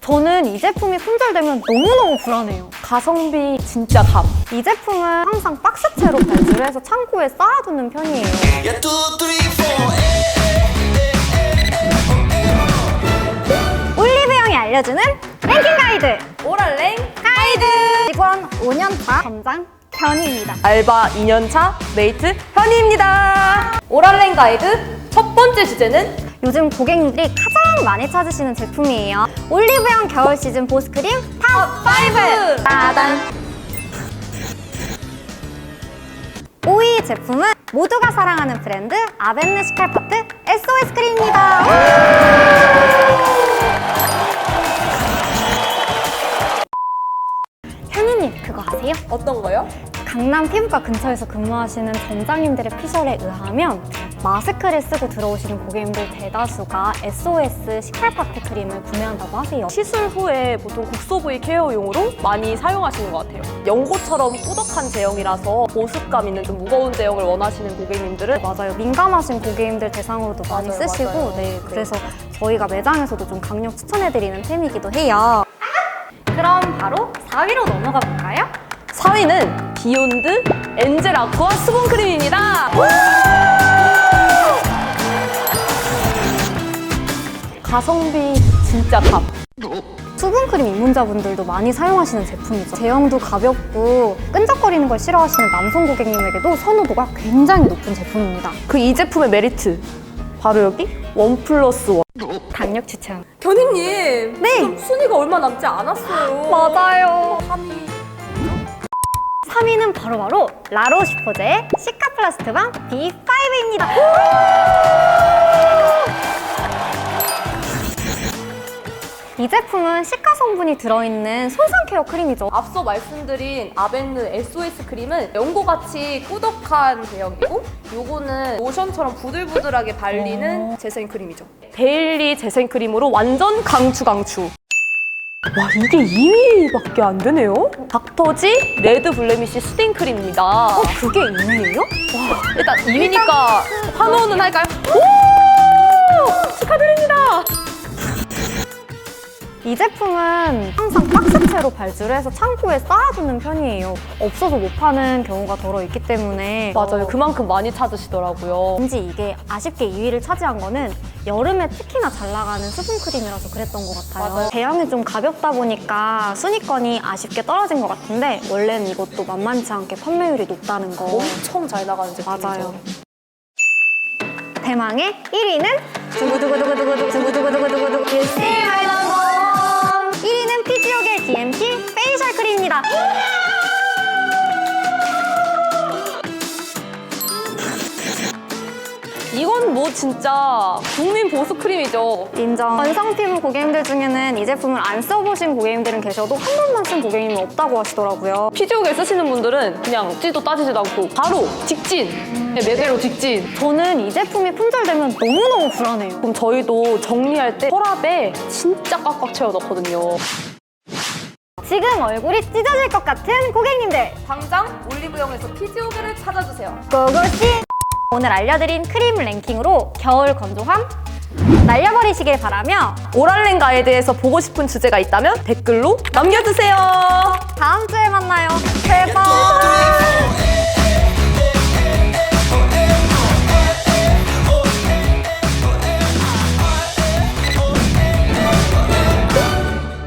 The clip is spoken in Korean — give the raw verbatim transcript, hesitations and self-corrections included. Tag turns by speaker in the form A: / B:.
A: 저는 이 제품이 품절되면 너무너무 불안해요.
B: 가성비 진짜 감.
A: 이 제품은 항상 박스채로 발주를 해서 창고에 쌓아두는 편이에요. 올리브영이 알려주는 랭킹 가이드!
B: 오랄랭
A: 가이드! 직원 오 년 차 점장 현희입니다.
B: 알바 이 년 차 메이트 현희입니다. 오랄랭 가이드 첫 번째 주제는
A: 요즘 고객님들이 가장 많이 찾으시는 제품이에요. 올리브영 겨울 시즌 보습크림 탑 파이브! 따단! 오 위 제품은 모두가 사랑하는 브랜드 아벤느 시칼파트 에스오에스 크림입니다. 현희님 그거 아세요?
B: 어떤 거요?
A: 강남 피부과 근처에서 근무하시는 점장님들의 피셜에 의하면 마스크를 쓰고 들어오시는 고객님들 대다수가 에스오에스 시칼파트 크림을 구매한다고 하세요.
B: 시술 후에 보통 국소 부위 케어용으로 많이 사용하시는 것 같아요. 연고처럼 꾸덕한 제형이라서 보습감 있는 좀 무거운 제형을 원하시는 고객님들은
A: 맞아요. 민감하신 고객님들 대상으로도 많이
B: 맞아요,
A: 쓰시고
B: 맞아요.
A: 네, 그래서 저희가 매장에서도 좀 강력 추천해드리는 템이기도 해요. 그럼 바로 사 위로 넘어가 볼까요?
B: 사 위는 비욘드 엔젤 아쿠아 수분 크림입니다. 가성비 진짜 감.
A: 수분크림 입문자분들도 많이 사용하시는 제품이죠. 제형도 가볍고 끈적거리는 걸 싫어하시는 남성 고객님에게도 선호도가 굉장히 높은 제품입니다.
B: 그 이 제품의 메리트 바로 여기 원 플러스 원.
A: 강력 추천.
B: 견희님,
A: 네.
B: 지금 순위가 얼마 남지 않았어요.
A: 맞아요.
B: 삼 위.
A: 삼 위는 바로바로 라로슈포제의 시카플라스트밤 비 파이브입니다. 이 제품은 시카 성분이 들어있는 손상 케어 크림이죠.
B: 앞서 말씀드린 아벤느 에스오에스 크림은 연고같이 꾸덕한 제형이고 요거는 로션처럼 부들부들하게 발리는 재생 크림이죠. 데일리 재생 크림으로 완전 강추 강추. 와, 이게 이 위밖에 안 되네요? 닥터지 레드 블레미쉬 수딩 크림입니다.
A: 어, 그게 이 위예요?
B: 와, 일단 이 위니까 환호는 할까요? 오! 축하드립니다.
A: 이 제품은 항상 박스채로 발주를 해서 창고에 쌓아두는 편이에요. 없어서 못 파는 경우가 덜어 있기 때문에
B: 맞아요.
A: 어,
B: 그만큼 많이 찾으시더라고요.
A: 왠지 이게 아쉽게 이 위를 차지한 거는 여름에 특히나 잘 나가는 수분크림이라서 그랬던 것 같아요.
B: 맞아요.
A: 제형이 좀 가볍다 보니까 순위권이 아쉽게 떨어진 것 같은데 원래는 이것도 만만치 않게 판매율이 높다는 거.
B: 엄청 잘 나가는 제품이죠.
A: 맞아요. 대망의 일 위는 두구두구두구두구두구 두구두구두구두구 일 위는 피지오겔 디엠씨 페이셜 크림입니다.
B: 이건 뭐 진짜 국민 보습 크림이죠.
A: 인정. 건성 피부 고객님들 중에는 이 제품을 안 써보신 고객님들은 계셔도 한 번만 쓴 고객님은 없다고 하시더라고요.
B: 피지오겔 쓰시는 분들은 그냥 찌도 따지지도 않고 바로 직진! 네, 매대로 직진!
A: 저는 이 제품이 품절되면 너무너무 불안해요.
B: 그럼 저희도 정리할 때 서랍에 진짜 꽉꽉 채워 넣거든요.
A: 지금 얼굴이 찢어질 것 같은 고객님들
B: 당장 올리브영에서 피지오겔을 찾아주세요.
A: 고고씨! 오늘 알려드린 크림 랭킹으로 겨울 건조함 날려버리시길 바라며
B: 오랄랭 가이드에서 보고 싶은 주제가 있다면 댓글로 남겨주세요.
A: 다음 주에 만나요. 제발!